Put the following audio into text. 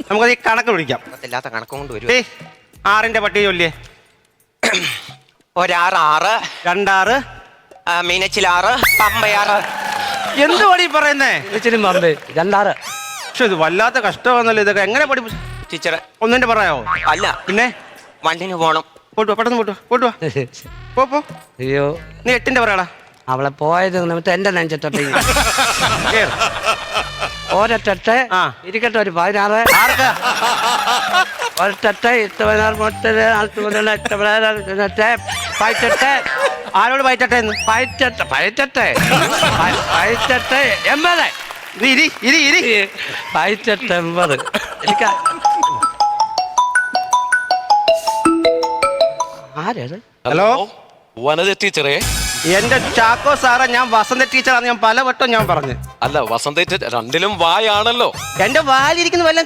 നമുക്ക് ഈ കണക്ക് വിളിക്കാം. ഇല്ലാത്ത കണക്കും കൊണ്ട് വരും. 6ന്റെ പട്ടിക ചൊല്ലിയേ. 1 6 2 6 മീനച്ചിൽ 6 പമ്പ 6. എന്ത് പടി പറയുന്നേ? മീനച്ചിലും പമ്പ് 2 6. പക്ഷെ ഇത് വല്ലാത്ത കഷ്ടമാണല്ലോ. ഇതൊക്കെ എങ്ങനെ പഠിപ്പിച്ചു ടീച്ചറെ? ഒന്നിന്റെ പറയാവോ? അല്ല, പിന്നെ വണ്ടിന് പോണം. പോട്ടുവാ, പെട്ടെന്ന് പോട്ടുവാ. പോ. അയ്യോ, നീ 8ന്റെ പറയാടാ. അവളെ പോയത് നിമിത്തം എന്റെ നെഞ്ചത്തോട്ട് ഒരൊട്ടെ ഇരിക്കട്ടെ. ഒരു 16 ഒരൊട്ടെ 8 പയറ്റെട്ട്. ആരോട് പയറ്റട്ടെ എന്ന്? പയറ്റെട്ട് 80. നീ ഇരി. പയറ്റെട്ട് 80. എനിക്ക് ആരത്? ഹലോ, വനജ ടീച്ചറേ. എന്റെ ചാക്കോ സാറേ, ഞാൻ വസന്ത ടീച്ചറാണ്. ഞാൻ പലവട്ടം ഞാൻ പറഞ്ഞു. അല്ല, വസന്ത ടീച്ചർ രണ്ടിലും വായാണല്ലോ. എന്റെ വാലിരിക്കുന്ന വല്ല